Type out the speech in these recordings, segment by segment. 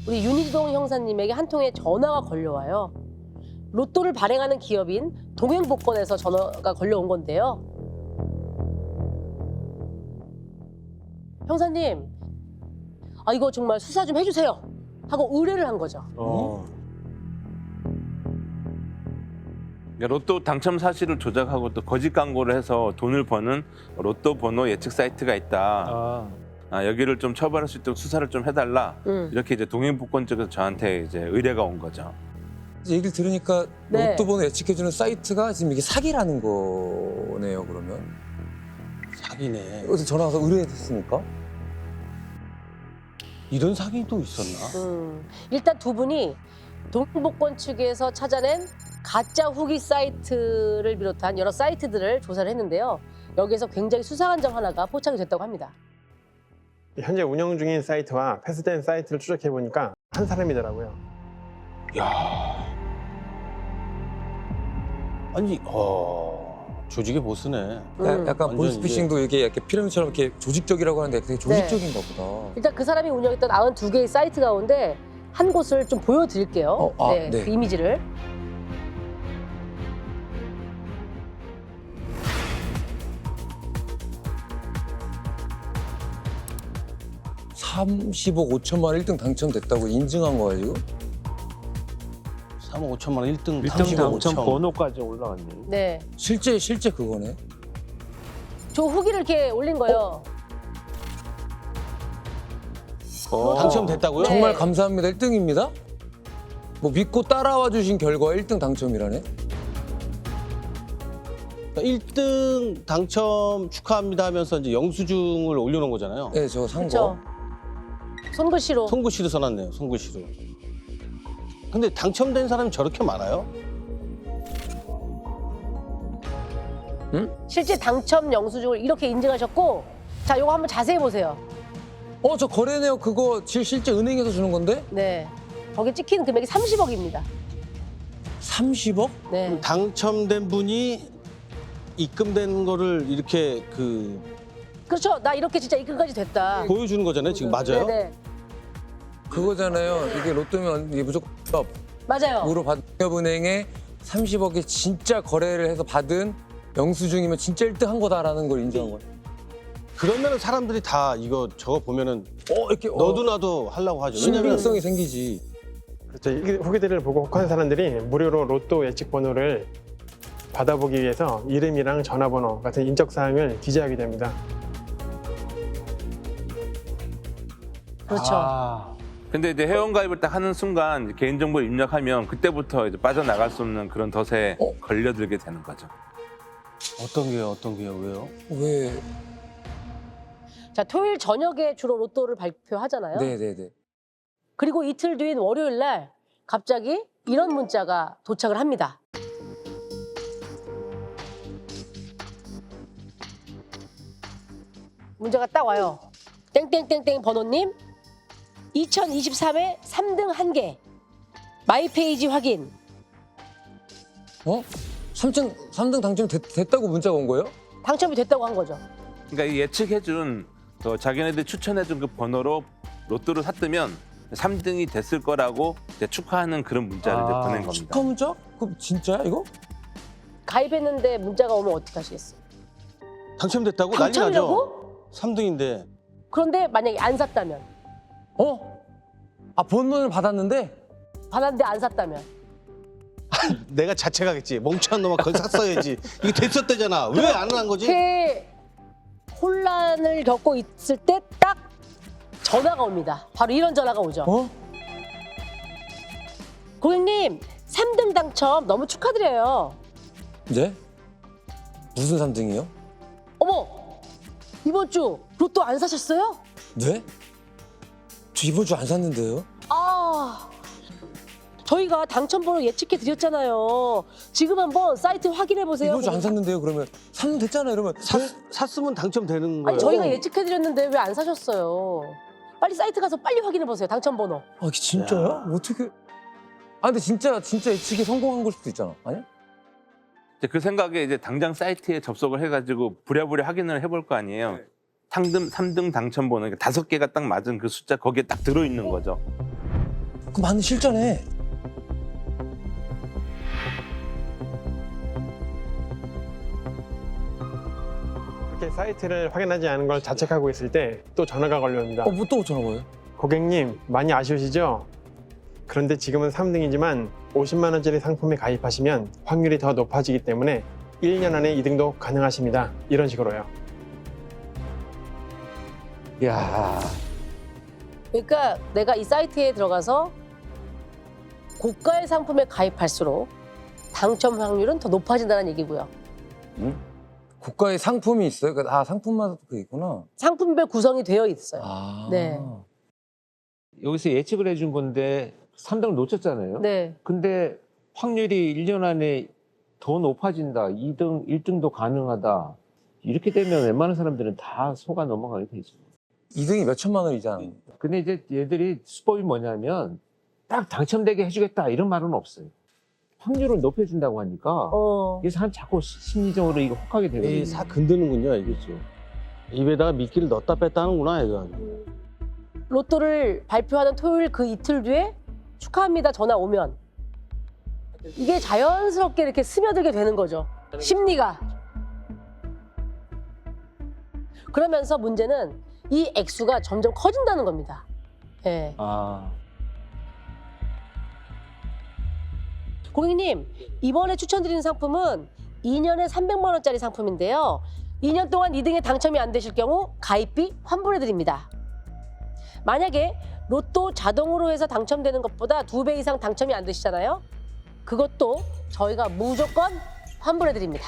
우리 윤희동 형사님에게 한 통의 전화가 걸려와요. 로또를 발행하는 기업인 동행복권에서 전화가 걸려온 건데요. 형사님, 이거 정말 수사 좀 해주세요 하고 의뢰를 한 거죠. 그러니까 로또 당첨 사실을 조작하고 또 거짓 광고를 해서 돈을 버는 로또 번호 예측 사이트가 있다. 여기를 좀 처벌할 수 있도록 수사를 좀 해달라. 이렇게 이제 동행복권 쪽에서 저한테 이제 의뢰가 온 거죠. 얘기를 들으니까 네. 로또 번호 예측해주는 사이트가 지금 이게 사기라는 거네요, 그러면. 사기네. 어디서 전화 와서 의뢰했습니까? 이런 사기도 있었나? 일단 두 분이 동행복권 측에서 찾아낸 가짜 후기 사이트를 비롯한 여러 사이트들을 조사를 했는데요. 여기에서 굉장히 수상한 점 하나가 포착이 됐다고 합니다. 현재 운영 중인 사이트와 폐쇄된 사이트를 추적해 보니까 한 사람이더라고요. 야. 아니, 조직의 보스네. 약간 완전 보이스피싱도 이게 이렇게 피라미드처럼 이렇게 조직적이라고 하는데 되게 조직적인가 보다. 일단 그 사람이 운영했던 92개의 사이트 가운데 한 곳을 좀 보여드릴게요. 네. 그 이미지를. 네. 30억 5천만 원 1등 당첨됐다고 인증한 거야, 지금? 3억 5천만 원 1등 1등 당첨 5천. 번호까지 올라갔네. 네. 실제 그거네. 저 후기를 이렇게 올린 거예요. 당첨됐다고요? 네. 정말 감사합니다. 1등입니다. 뭐 믿고 따라와 주신 결과 1등 당첨이라네. 1등 당첨 축하합니다 하면서 이제 영수증을 올려놓은 거잖아요. 네, 저거 산 그렇죠. 거. 손글씨로. 손글씨로 써놨네요. 손글씨로. 근데 당첨된 사람이 저렇게 많아요? 실제 당첨 영수증을 이렇게 인증하셨고, 자, 요거 한번 자세히 보세요. 저 거래네요. 그거 실제 은행에서 주는 건데? 네. 거기 찍힌 금액이 30억입니다. 30억? 네. 당첨된 분이 입금된 거를 이렇게 그렇죠. 나 이렇게 진짜 입금까지 됐다. 보여주는 거잖아요. 지금 맞아요? 네네. 그거잖아요. 이게 로또면 이게 무조건 맞아요. 으로 받은 기업은행에 30억에 진짜 거래를 해서 받은 영수증이면 진짜 1등 한 거다라는 걸 인정한 거예요. 그러면 사람들이 다 이거 저거 보면은 이렇게 너도 나도 하려고 하죠. 왜냐면 신빙성이 생기지. 그렇죠. 이 후기들을 보고 혹한 사람들이 무료로 로또 예측 번호를 받아보기 위해서 이름이랑 전화번호 같은 인적사항을 기재하게 됩니다. 그렇죠. 근데 이제 회원가입을 딱 하는 순간 이제 개인정보를 입력하면 그때부터 이제 빠져나갈 수 없는 그런 덫에 걸려들게 되는 거죠. 어떤 게요? 왜요? 왜? 자, 토요일 저녁에 주로 로또를 발표하잖아요. 네네네. 그리고 이틀 뒤인 월요일 날 갑자기 이런 문자가 도착을 합니다. 문자가 딱 와요. 땡땡땡땡 번호님 2023회 3등 1개 마이 페이지 확인. 3등 당첨 됐다고 문자가 온 거예요? 당첨이 됐다고 한 거죠. 그러니까 이 예측해준 자기네들이 추천해준 그 번호로 로또를 샀으면 3등이 됐을 거라고 이제 축하하는 그런 문자를 이제 보낸 겁니다. 축하 문자? 그럼 진짜야 이거? 가입했는데 문자가 오면 어떡하시겠어요? 당첨됐다고? 난리 나죠? 당첨이라고? 3등인데. 그런데 만약에 안 샀다면? 번호를 받았는데? 받았는데 안 샀다면? 내가 자책하겠지. 멍청한 놈아 그걸 샀어야지. 이게 됐었대잖아. 왜 안 한 거지? 이렇게 혼란을 겪고 있을 때 딱 전화가 옵니다. 바로 이런 전화가 오죠. 고객님, 3등 당첨 너무 축하드려요. 네? 무슨 3등이요? 어머, 이번 주 로또 안 사셨어요? 네? 저 이번 주 안 샀는데요? 저희가 당첨번호 예측해 드렸잖아요. 지금 한번 사이트 확인해 보세요. 이번 주 안 샀는데요? 그러면 3등 됐잖아요. 이러면 샀으면 당첨되는 거예요. 아니, 저희가 예측해 드렸는데 왜 안 사셨어요? 빨리 사이트 가서 빨리 확인해 보세요. 당첨번호. 이게 진짜야? 어떻게? 근데 진짜 예측이 성공한 걸 수도 있잖아. 아니야? 이제 그 생각에 이제 당장 사이트에 접속을 해가지고 부랴부랴 확인을 해볼 거 아니에요. 3등 당첨 번호, 그러니까 5개가 딱 맞은 그 숫자 거기에 딱 들어있는 거죠. 그 맞는 실전에. 이렇게 사이트를 확인하지 않은 걸 자책하고 있을 때 또 전화가 걸려옵니다. 뭐 또 전화 와요? 고객님 많이 아쉬우시죠? 그런데 지금은 3등이지만 50만 원짜리 상품에 가입하시면 확률이 더 높아지기 때문에 1년 안에 2등도 가능하십니다. 이런 식으로요. 야. 그러니까 내가 이 사이트에 들어가서 고가의 상품에 가입할수록 당첨 확률은 더 높아진다는 얘기고요. 고가의 상품이 있어요? 상품마다 그게 있구나. 상품별 구성이 되어 있어요. 아. 네. 여기서 예측을 해준 건데 3등을 놓쳤잖아요. 네. 근데 확률이 1년 안에 더 높아진다. 2등, 1등도 가능하다. 이렇게 되면 웬만한 사람들은 다 속아 넘어가게 되죠. 2등이 몇 천만 원이잖아. 근데 이제 얘들이 수법이 뭐냐면 딱 당첨되게 해주겠다 이런 말은 없어요. 확률을 높여준다고 하니까 그래서 한 자꾸 심리적으로 이거 혹하게 되거든요. 이 사 건드는군요, 이게. 그렇죠. 입에다가 미끼를 넣었다 뺐다 하는구나, 이거. 로또를 발표하는 토요일 그 이틀 뒤에 축하합니다 전화 오면 이게 자연스럽게 이렇게 스며들게 되는 거죠. 심리가. 그러면서 문제는 이 액수가 점점 커진다는 겁니다. 예. 아, 고객님, 이번에 추천드리는 상품은 2년에 300만 원짜리 상품인데요. 2년 동안 2등에 당첨이 안 되실 경우 가입비 환불해드립니다. 만약에 로또 자동으로 해서 당첨되는 것보다 2배 이상 당첨이 안 되시잖아요. 그것도 저희가 무조건 환불해드립니다.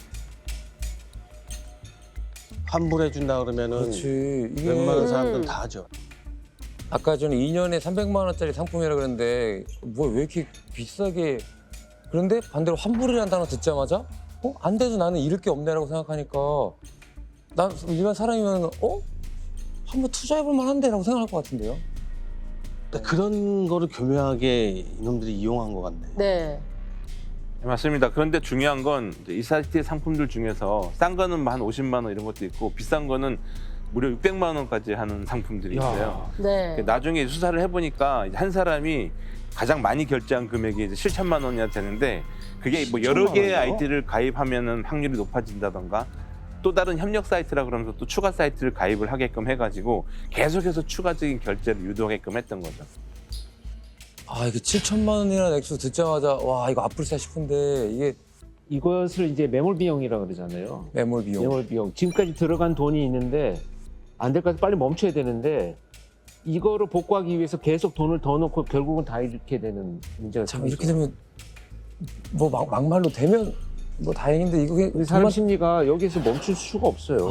환불해준다 그러면은 그렇지. 이게 웬만한 사람들은 다 하죠. 아까 전에 2년에 300만 원짜리 상품이라 그랬는데 뭐 왜 이렇게 비싸게 그런데 반대로 환불이라는 단어 듣자마자 안 돼도 나는 잃을 게 없네라고 생각하니까 난 일반 사람이면 한번 투자해볼 만한데라고 생각할 것 같은데요. 근데 그런 거를 교묘하게 이놈들이 이용한 것 같네. 네. 맞습니다. 그런데 중요한 건 이 사이트의 상품들 중에서 싼 거는 한 50만 원 이런 것도 있고 비싼 거는 무려 600만 원까지 하는 상품들이 있어요. 네. 나중에 수사를 해보니까 한 사람이 가장 많이 결제한 금액이 이제 7천만 원이나 되는데 그게 뭐 여러 7천만 개의 원이요? 아이디를 가입하면은 확률이 높아진다던가 또 다른 협력 사이트라 그러면서 또 추가 사이트를 가입을 하게끔 해가지고 계속해서 추가적인 결제를 유도하게끔 했던 거죠. 아 이게 7천만 원이라는 액수 듣자마자 와 이거 아플싸 싶은데 이게 이것을 이제 매몰 비용이라고 그러잖아요. 매몰 비용. 매몰 비용. 지금까지 들어간 돈이 있는데 안 될 것 같아 빨리 멈춰야 되는데 이거를 복구하기 위해서 계속 돈을 더 넣고 결국은 다 잃게 되는 문제가 참 생기죠. 이렇게 되면 뭐 막말로 되면 뭐 다행인데 이거 그냥 우리 사람 심리가 여기서 멈출 수가 없어요.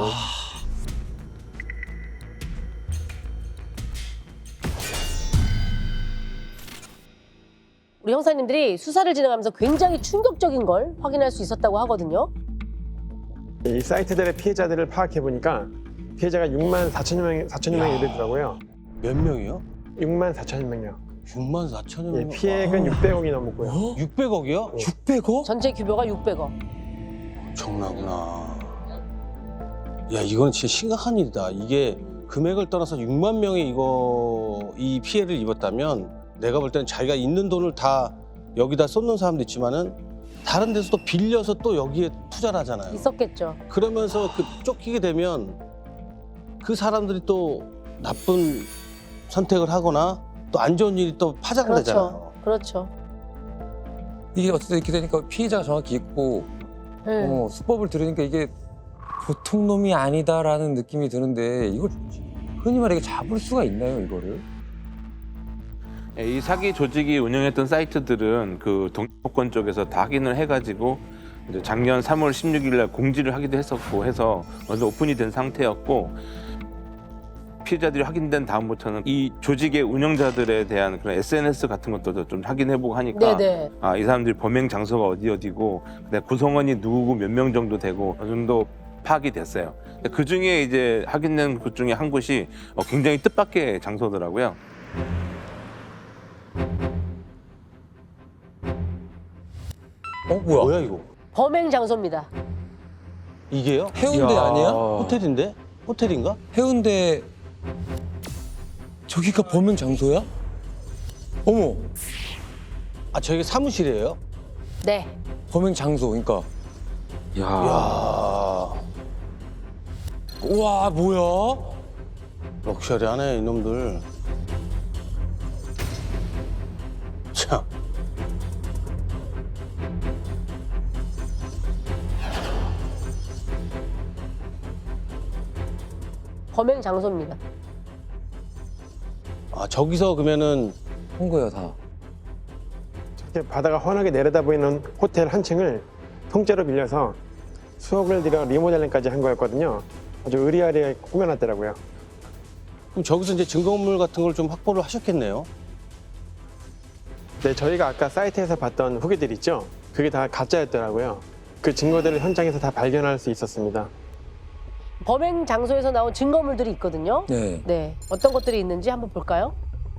우리 형사님들이 수사를 진행하면서 굉장히 충격적인 걸 확인할 수 있었다고 하거든요. 이 사이트들의 피해자들을 파악해 보니까 피해자가 6만 4천여 명이 이르더라고요. 몇 명이요? 6만 4천여 명이요. 6만 4천여 예, 명. 피해액은 600억이 넘었고요. 600억이요? 600억? 전체 규모가 600억. 정나구나. 야, 이건 진짜 심각한 일이다. 이게 금액을 떠나서 6만 명이 이 피해를 입었다면 내가 볼 때는 자기가 있는 돈을 다 여기다 쏟는 사람도 있지만은 다른 데서 또 빌려서 또 여기에 투자를 하잖아요. 있었겠죠. 그러면서 쫓기게 되면 그 사람들이 또 나쁜 선택을 하거나 또 안 좋은 일이 또 파장되잖아요. 그렇죠. 이게 어쨌든 이렇게 되니까 피해자가 정확히 있고 네. 수법을 들으니까 이게 보통 놈이 아니다라는 느낌이 드는데 이걸 흔히 말해 잡을 수가 있나요 이거를? 이 사기 조직이 운영했던 사이트들은 그 동북권 쪽에서 다 확인을 해가지고 이제 작년 3월 16일 날 공지를 하기도 했었고 해서 먼저 오픈이 된 상태였고 피해자들이 확인된 다음부터는 이 조직의 운영자들에 대한 그런 SNS 같은 것도 좀 확인해보고 하니까 네네. 이 사람들이 범행 장소가 어디고 그다음에 구성원이 누구고 몇 명 정도 되고 어느 정도 파악이 됐어요. 그 중에 이제 확인된 곳 중에 한 곳이 굉장히 뜻밖의 장소더라고요. 뭐야? 뭐야 이거? 범행 장소입니다. 이게요? 해운대 아니야? 호텔인데? 호텔인가? 해운대 저기가 범행 장소야? 어머, 아 저게 사무실이에요? 네. 범행 장소, 그러니까. 야, 야 우와, 뭐야? 럭셔리하네 이놈들. 참. 범행 장소입니다. 아 저기서 그러면은 한 거야 다. 이렇게 바다가 환하게 내려다 보이는 호텔 한 층을 통째로 빌려서 수억을 들여 리모델링까지 한 거였거든요. 아주 의리아리하게 꾸며놨더라고요. 그럼 저기서 이제 증거물 같은 걸 좀 확보를 하셨겠네요. 네, 저희가 아까 사이트에서 봤던 후기들 있죠? 그게 다 가짜였더라고요. 그 증거들을 현장에서 다 발견할 수 있었습니다. 범행 장소에서 나온 증거물들이 있거든요. 네. 네. 어떤 것들이 있는지 한번 볼까요?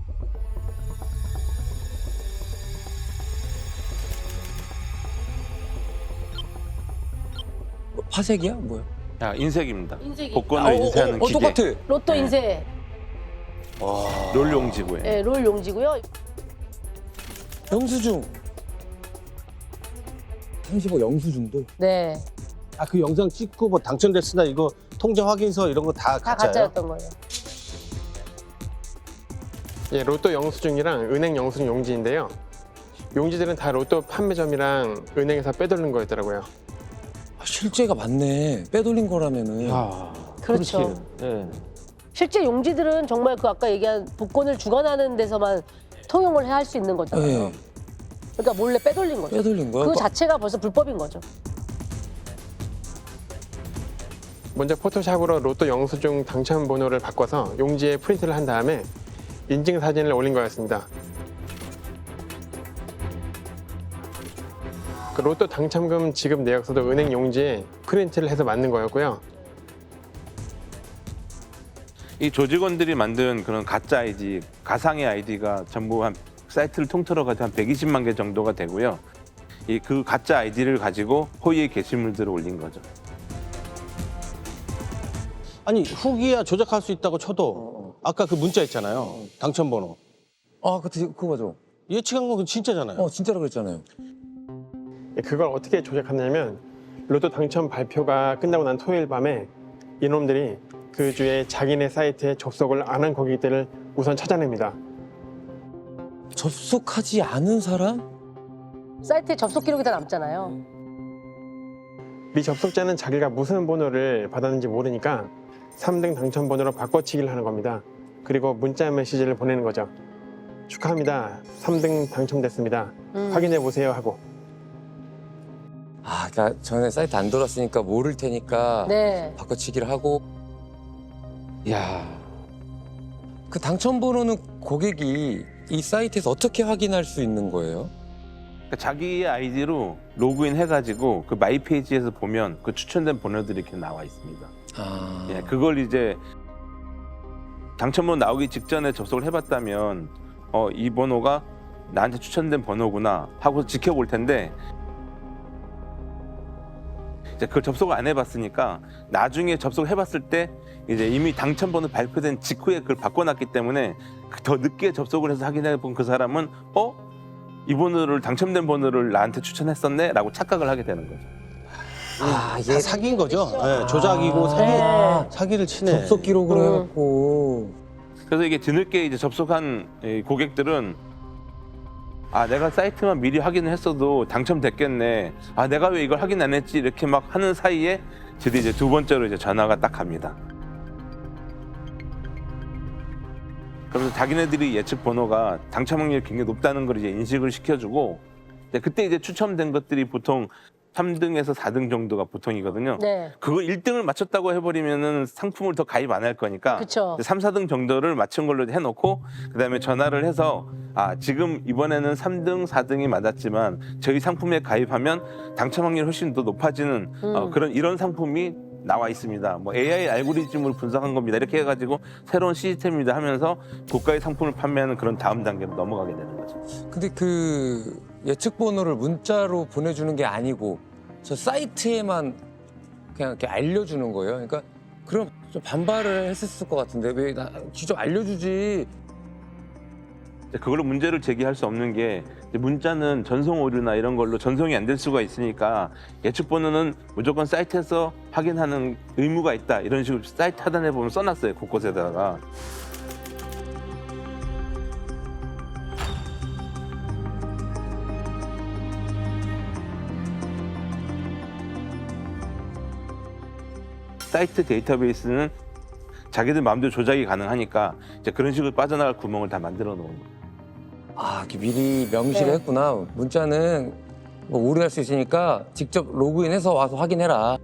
파색이야? 뭐야? 야, 인쇄기입니다. 인쇄기. 복권을 인쇄하는 기계. 똑같아. 로또 네. 인쇄. 롤 용지구에. 네, 롤 용지고요. 영수증. 35 영수증도. 네. 아 그 영상 찍고 뭐 당첨됐으나 이거 통장 확인서 이런 거 다 다 가짜예요? 가짜였던 거예요. 예, 로또 영수증이랑 은행 영수증 용지인데요. 용지들은 다 로또 판매점이랑 은행에서 빼돌린 거였더라고요. 아, 실제가 맞네. 빼돌린 거라면은. 그렇죠. 네. 실제 용지들은 정말 그 아까 얘기한 복권을 주관하는 데서만 통용을 할 수 있는 거잖아요. 네. 그러니까 몰래 빼돌린 거죠. 빼돌린 거야? 그 자체가 벌써 불법인 거죠. 먼저 포토샵으로 로또 영수증 당첨 번호를 바꿔서 용지에 프린트를 한 다음에 인증 사진을 올린 거였습니다. 그 로또 당첨금 지급 내역서도 은행 용지에 프린트를 해서 맞는 거였고요. 이 조직원들이 만든 그런 가짜 아이디, 가상의 아이디가 전부 한 사이트를 통틀어 가지고 한 120만 개 정도가 되고요. 이 그 가짜 아이디를 가지고 허위의 게시물들을 올린 거죠. 아니 후기야 조작할 수 있다고 쳐도 아까 그 문자 있잖아요. 당첨번호. 아, 그거 맞아. 예측한 건 진짜잖아요. 진짜라 그랬잖아요. 예, 그걸 어떻게 조작하냐면 로또 당첨 발표가 끝나고 난 토요일 밤에 이놈들이 그 주에 자기네 사이트에 접속을 안 한 고객들을 우선 찾아냅니다. 접속하지 않은 사람? 사이트에 접속 기록이 다 남잖아요. 미접속자는 자기가 무슨 번호를 받았는지 모르니까 3등 당첨 번호로 바꿔치기를 하는 겁니다. 그리고 문자 메시지를 보내는 거죠. 축하합니다. 3등 당첨됐습니다. 확인해 보세요 하고. 아, 그러니까 전에 사이트 안 돌았으니까 모를 테니까 네. 바꿔치기를 하고. 야, 그 당첨 번호는 고객이 이 사이트에서 어떻게 확인할 수 있는 거예요? 그러니까 자기의 아이디로 로그인 해가지고 그 마이 페이지에서 보면 그 추천된 번호들이 이렇게 나와 있습니다. 아, 예, 그걸 이제 당첨번호 나오기 직전에 접속을 해봤다면 이 번호가 나한테 추천된 번호구나 하고 지켜볼 텐데 이제 그걸 접속을 안 해봤으니까 나중에 접속을 해봤을 때 이제 이미 당첨번호 발표된 직후에 그걸 바꿔놨기 때문에 더 늦게 접속을 해서 확인해본 그 사람은 이 번호를 당첨된 번호를 나한테 추천했었네 라고 착각을 하게 되는 거죠. 아, 다 사기인 거죠. 네, 조작이고 사기를 치네. 접속 기록으로 해갖고. 그래서 이게 뒤늦게 이제 접속한 이 고객들은 내가 사이트만 미리 확인을 했어도 당첨됐겠네. 내가 왜 이걸 확인 안 했지? 이렇게 막 하는 사이에 드디어 이제 두 번째로 이제 전화가 딱 갑니다. 그러면서 자기네들이 예측 번호가 당첨 확률이 굉장히 높다는 걸 이제 인식을 시켜주고 그때 이제 추첨된 것들이 보통 3등에서 4등 정도가 보통이거든요. 네. 그거 1등을 맞췄다고 해버리면은 상품을 더 가입 안 할 거니까 그쵸. 3, 4등 정도를 맞춘 걸로 해놓고 그다음에 전화를 해서 지금 이번에는 3등, 4등이 맞았지만 저희 상품에 가입하면 당첨 확률이 훨씬 더 높아지는 이런 상품이 나와 있습니다. 뭐 AI 알고리즘으로 분석한 겁니다. 이렇게 해가지고 새로운 시스템입니다 하면서 고가의 상품을 판매하는 그런 다음 단계로 넘어가게 되는 거죠. 근데 그 예측 번호를 문자로 보내주는 게 아니고 저 사이트에만 그냥 이렇게 알려주는 거예요. 그러니까 그럼 좀 반발을 했었을 것 같은데 왜 나 직접 알려주지? 그걸로 문제를 제기할 수 없는 게 이제 문자는 전송 오류나 이런 걸로 전송이 안 될 수가 있으니까 예측 번호는 무조건 사이트에서 확인하는 의무가 있다. 이런 식으로 사이트 하단에 보면 써놨어요. 곳곳에다가. 사이트 데이터베이스는 자기들 마음대로 조작이 가능하니까 이제 그런 식으로 빠져나갈 구멍을 다 만들어 놓은 거예요. 아, 이렇게 미리 명시를 네. 했구나. 문자는 뭐 오류할 수 있으니까 직접 로그인해서 와서 확인해라.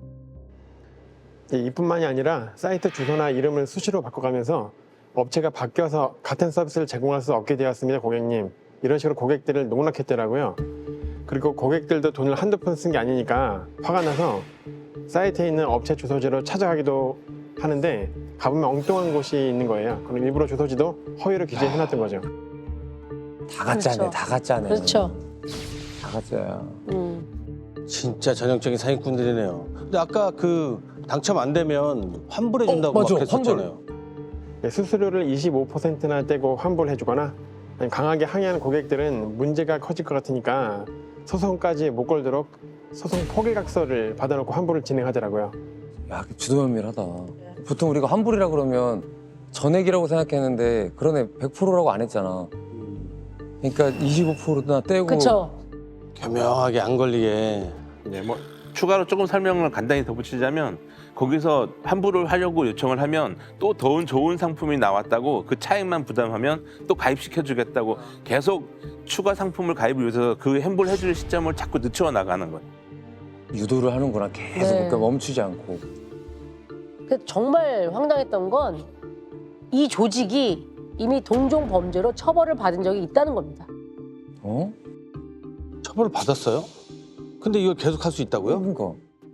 이뿐만이 아니라 사이트 주소나 이름을 수시로 바꿔가면서 업체가 바뀌어서 같은 서비스를 제공할 수 없게 되었습니다, 고객님. 이런 식으로 고객들을 농락했더라고요. 그리고 고객들도 돈을 한두 푼 쓴 게 아니니까 화가 나서 사이트에 있는 업체 주소지로 찾아가기도 하는데 가보면 엉뚱한 곳이 있는 거예요. 그럼 일부러 주소지도 허위로 기재해놨던 거죠. 다 가짜네, 그렇죠. 다 가짜네. 그렇죠. 다 가짜야. 진짜 전형적인 사기꾼들이네요. 근데 아까 그 당첨 안 되면 환불해 준다고 맞아, 막 그랬었잖아요. 수수료를 25%나 떼고 환불해주거나 아니면 강하게 항의하는 고객들은 문제가 커질 것 같으니까 소송까지 못 걸도록 소송 포기각서를 받아놓고 환불을 진행하더라고요. 야, 주도면밀하다. 보통 우리가 환불이라 그러면 전액이라고 생각했는데 그러네 100%라고 안 했잖아. 그러니까 25%나 떼고. 그렇죠. 교묘하게 안 걸리게. 이제 뭐 추가로 조금 설명을 간단히 덧붙이자면 거기서 환불을 하려고 요청을 하면 또 더 좋은 상품이 나왔다고 그 차액만 부담하면 또 가입시켜 주겠다고 계속 추가 상품을 가입을 위해서 그 환불 해줄 시점을 자꾸 늦춰 나가는 거예요. 유도를 하는구나. 계속 네. 그러니까 멈추지 않고. 그 정말 황당했던 건 이 조직이 이미 동종 범죄로 처벌을 받은 적이 있다는 겁니다. 어? 처벌을 받았어요? 근데 이걸 계속 할 수 있다고요? 그러니까.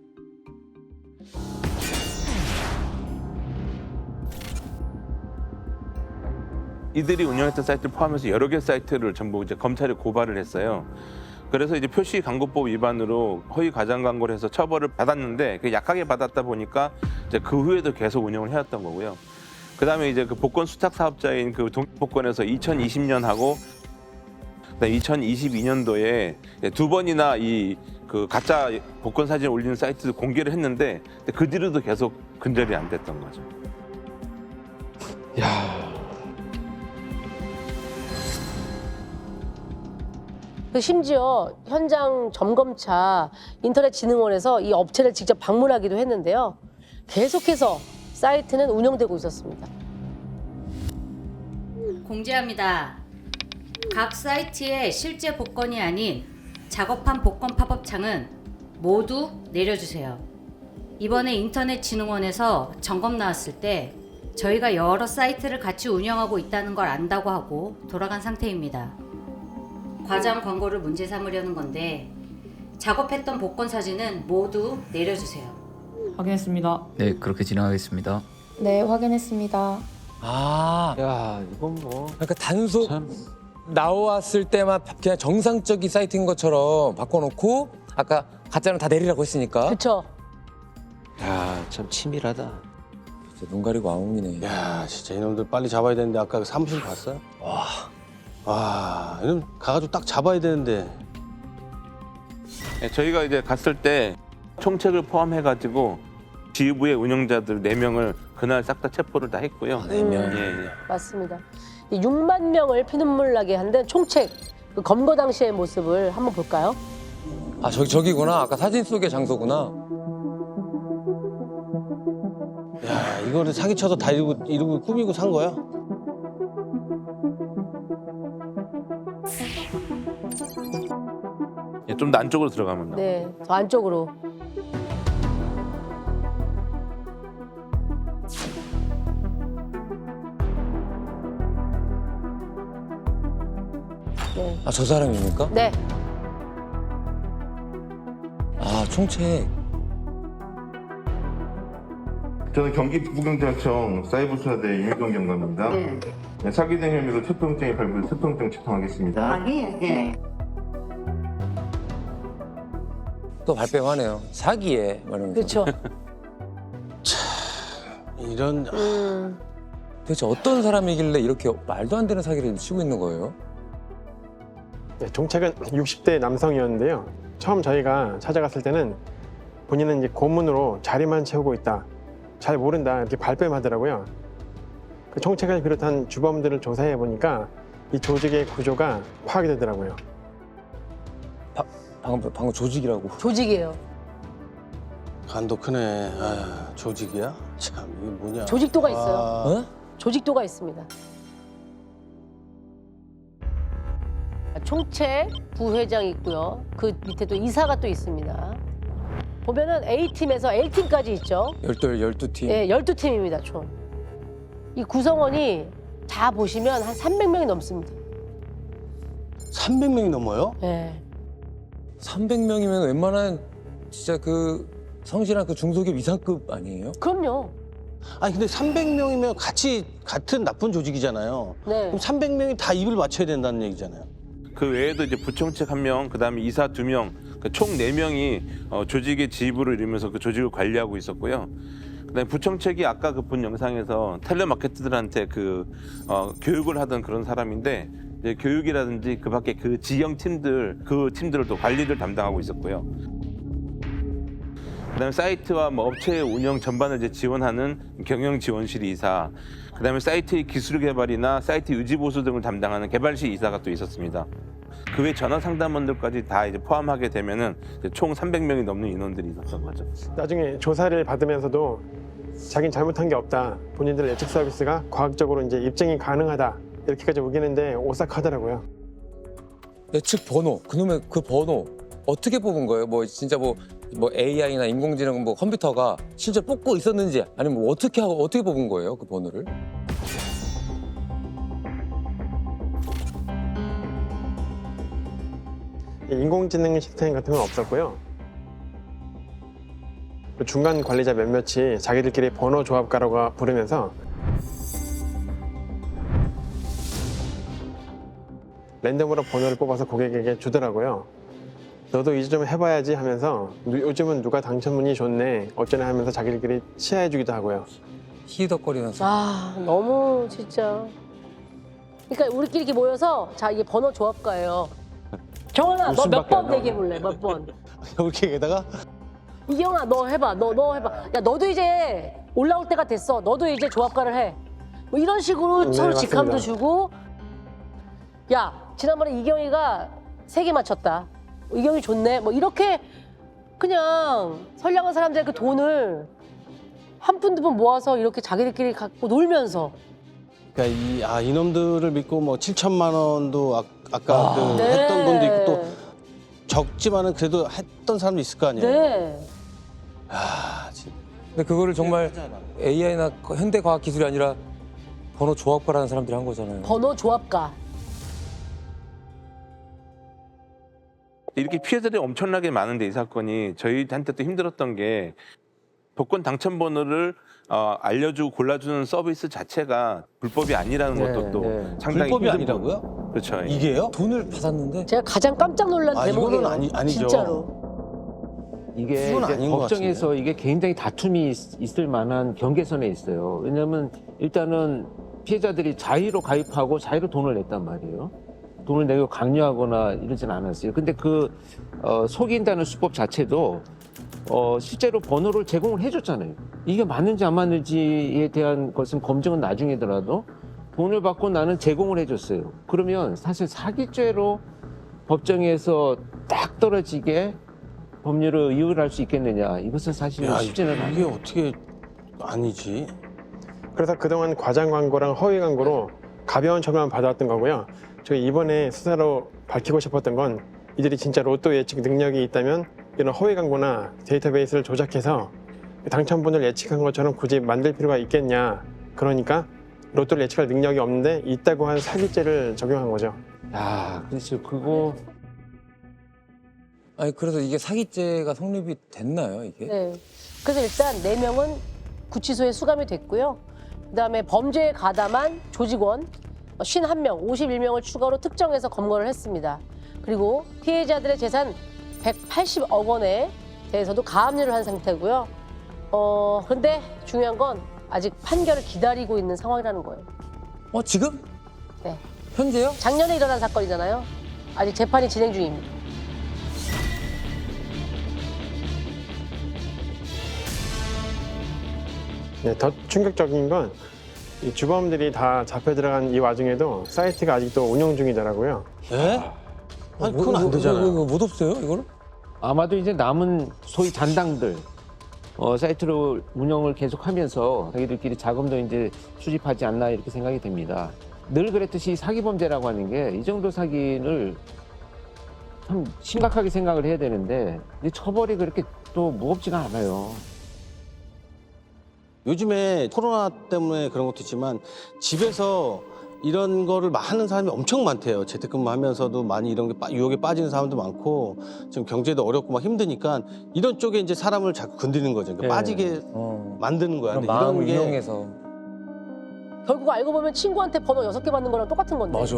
이들이 운영했던 사이트를 포함해서 여러 개 사이트를 전부 이제 검찰에 고발을 했어요. 그래서 이제 표시광고법 위반으로 허위 과장 광고를 해서 처벌을 받았는데 그 약하게 받았다 보니까 이제 그 후에도 계속 운영을 해왔던 거고요. 그다음에 이제 그 복권 수탁 사업자인 그 동복권에서 2020년하고 2022년도에 두 번이나 이 그 가짜 복권 사진을 올리는 사이트를 공개를 했는데 그 뒤로도 계속 근절이 안 됐던 거죠. 그 심지어 현장 점검차 인터넷진흥원에서 이 업체를 직접 방문하기도 했는데요. 계속해서 사이트는 운영되고 있었습니다. 공지합니다. 각 사이트의 실제 복권이 아닌 작업한 복권 팝업창은 모두 내려주세요. 이번에 인터넷진흥원에서 점검 나왔을 때 저희가 여러 사이트를 같이 운영하고 있다는 걸 안다고 하고 돌아간 상태입니다. 과장 광고를 문제 삼으려는 건데 작업했던 복권 사진은 모두 내려주세요. 확인했습니다. 네, 그렇게 진행하겠습니다. 네, 확인했습니다. 아, 야, 이건 뭐 그러니까 단속 참. 나왔을 때만 그냥 정상적인 사이트인 것처럼 바꿔놓고 아까 가짜는 다 내리라고 했으니까. 그렇죠. 야, 참 치밀하다. 진짜 눈 가리고 아웅이네. 야, 진짜 이놈들 빨리 잡아야 되는데 아까 그 사무실 봤어요? 와, 이놈 가가지고 딱 잡아야 되는데. 네, 저희가 이제 갔을 때 총책을 포함해가지고 지휘부의 운영자들 4명을 그날 싹 다 체포를 다 했고요. 4명. 예, 예. 맞습니다. 이 6만 명을 피눈물 나게 한 데는 총책 그 검거 당시의 모습을 한번 볼까요? 아, 저기구나. 아까 사진 속의 장소구나. 야, 이거를 사기쳐서 다 이러고 꾸미고 산 거야? 예, 좀 더 안쪽으로 들어가면 나와요. 네, 저 안쪽으로. 네. 아, 저 사람입니까? 네. 아, 총책. 저는 경기 부경찰청 사이버수사대 유미경 경감입니다. 네, 사기 등 혐의로 체포영장이 발부돼 체포영장 집행하겠습니다. 또 발뺌하네요. 사기에. 말하면서. 그렇죠. 이런 도대체 어떤 사람이길래 이렇게 말도 안 되는 사기를 치고 있는 거예요? 네, 종책은 60대 남성이었는데요. 처음 저희가 찾아갔을 때는 본인은 이제 고문으로 자리만 채우고 있다, 잘 모른다 이렇게 발뺌하더라고요. 그 총책을 비롯한 주범들을 조사해 보니까 이 조직의 구조가 파악이 되더라고요. 방금 조직이라고. 조직이에요. 간도 크네. 아, 조직이야? 참 이게 뭐냐? 조직도가 있어요. 어? 조직도가 있습니다. 총책 부회장이 있고요. 그 밑에도 이사가 또 있습니다. 보면은 A팀에서 L팀까지 있죠. 12팀. 네, 12팀입니다, 총. 이 구성원이 다 보시면 한 300명이 넘습니다. 300명이 넘어요? 네. 300명이면 웬만한 진짜 그 성실한 그 중소기업 이상급 아니에요? 그럼요. 아니 근데 300명이면 같은 나쁜 조직이잖아요. 네. 그럼 300명이 다 입을 맞춰야 된다는 얘기잖아요. 그 외에도 이제 부총책 1명, 그다음에 이사 2명, 총 4명이 조직의 지휘부를 이루면서 그 조직을 관리하고 있었고요. 그다음에 부총책이 아까 그 본 영상에서 텔레마케터들한테 교육을 하던 그런 사람인데 이제 교육이라든지 그 밖에 그 지형 팀들, 그 팀들을 또 관리를 담당하고 있었고요. 그다음에 사이트와 뭐 업체의 운영 전반을 이제 지원하는 경영 지원실 이사, 그다음에 사이트의 기술 개발이나 사이트 유지 보수 등을 담당하는 개발실 이사가 또 있었습니다. 그 외 전화 상담원들까지 다 이제 포함하게 되면은 이제 총 300명이 넘는 인원들이 있었던 거죠. 나중에 조사를 받으면서도 자긴 잘못한 게 없다, 본인들 예측 서비스가 과학적으로 이제 입증이 가능하다 이렇게까지 우기는데 오싹하더라고요. 예측 번호, 그놈의 그 번호 어떻게 뽑은 거예요? 뭐 진짜 뭐 AI나 인공지능 뭐 컴퓨터가 실제 뽑고 있었는지 아니면 뭐 어떻게 뽑은 거예요? 그 번호를? 인공지능 시스템 같은 건 없었고요. 중간 관리자 몇몇이 자기들끼리 번호 조합가라고 부르면서 랜덤으로 번호를 뽑아서 고객에게 주더라고요. 너도 이제 좀 해봐야지 하면서 요즘은 누가 당첨운이 좋네 어쩌나 하면서 자기들끼리 치하해주기도 하고요. 희덕거리면서. 아, 너무 진짜. 그러니까 우리끼리 이렇게 모여서 자, 이게 번호 조합가예요. 정원아, 너 몇 번 얘기해볼래? 몇 번? 이렇게다가 이경아, 너 해봐. 너 해봐. 야, 너도 이제 올라올 때가 됐어. 너도 이제 조합가를 해. 뭐 이런 식으로 네, 서로 맞습니다. 직함도 주고. 야, 지난번에 이경이가 3개 맞췄다. 이경이 좋네. 뭐 이렇게 그냥 선량한 사람들의 그 돈을 한 푼 두 푼 모아서 이렇게 자기들끼리 갖고 놀면서. 그러니까 이놈들을 믿고 뭐 7천만 원도 아까 그 네. 했던 돈도 있고 또 적지만은 그래도 했던 사람도 있을 거 아니에요. 네. 아, 진짜. 근데 그거를 정말 AI나 현대 과학 기술이 아니라 번호 조합가라는 사람들이 한 거잖아요. 번호 조합가. 이렇게 피해자들이 엄청나게 많은데 이 사건이 저희한테 또 힘들었던 게 복권 당첨 번호를 알려주고 골라주는 서비스 자체가 불법이 아니라는 것도 또 상당히 불법이 힘든 아니라고요? 부분. 그렇죠. 예. 이게요? 돈을 받았는데 제가 가장 깜짝 놀란 대목이에요. 이거는 아니죠. 진짜로. 이게 이건 이제 아닌 것 법정에서 이게 굉장히 다툼이 있을 만한 경계선에 있어요. 왜냐하면 일단은 피해자들이 자의로 가입하고 자의로 돈을 냈단 말이에요. 돈을 내고 강요하거나 이러진 않았어요. 근데 속인다는 수법 자체도 실제로 번호를 제공을 해줬잖아요. 이게 맞는지 안 맞는지에 대한 것은 검증은 나중이더라도 돈을 받고 나는 제공을 해줬어요. 그러면 사실 사기죄로 법정에서 딱 떨어지게 법률을 이유를 할 수 있겠느냐. 이것은 사실 쉽지는 않아요. 이게 어떻게 아니지? 그래서 그동안 과장 광고랑 허위 광고로 가벼운 처벌만 받아왔던 거고요. 저희 이번에 수사로 밝히고 싶었던 건 이들이 진짜 로또 예측 능력이 있다면 이런 허위 광고나 데이터베이스를 조작해서 당첨분을 예측한 것처럼 굳이 만들 필요가 있겠냐. 그러니까 로또를 예측할 능력이 없는데 있다고 한 사기죄를 적용한 거죠. 야, 그렇죠. 그거 아니 그래서 이게 사기죄가 성립이 됐나요 이게? 네. 그래서 일단 4명은 구치소에 수감이 됐고요. 그다음에 범죄에 가담한 조직원 51명, 51명을 추가로 특정해서 검거를 했습니다. 그리고 피해자들의 재산 180억 원에 대해서도 가압류를 한 상태고요. 근데 중요한 건 아직 판결을 기다리고 있는 상황이라는 거예요. 지금? 네. 현재요? 작년에 일어난 사건이잖아요. 아직 재판이 진행 중입니다. 네, 더 충격적인 건 이 주범들이 다 잡혀 들어간 이 와중에도 사이트가 아직도 운영 중이더라고요. 예? 아니 그건 안 되잖아요. 이거 못 없어요, 이거를? 아마도 이제 남은 소위 잔당들 사이트를 운영을 계속하면서 자기들끼리 자금도 이제 수집하지 않나 이렇게 생각이 됩니다. 늘 그랬듯이 사기범죄라고 하는 게 이 정도 사기를 참 심각하게 생각을 해야 되는데 이 처벌이 그렇게 또 무겁지가 않아요. 요즘에 코로나 때문에 그런 것도 있지만 집에서 이런 거를 하는 사람이 엄청 많대요. 재택근무하면서도 많이 이런 게 유혹에 빠지는 사람도 많고 지금 경제도 어렵고 막 힘드니까 이런 쪽에 이제 사람을 자꾸 건드리는 거죠. 그러니까 예. 빠지게 만드는 거야. 그런 근데 마음을 이런 게 이용해서. 결국 알고 보면 친구한테 번호 6개 받는 거랑 똑같은 건데. 맞아.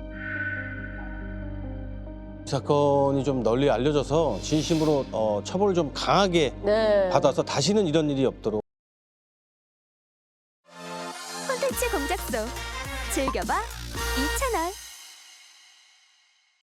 이 사건이 좀 널리 알려져서 진심으로 처벌을 좀 강하게 네. 받아서 다시는 이런 일이 없도록. 콘텐츠 공작소 즐겨봐 이채널.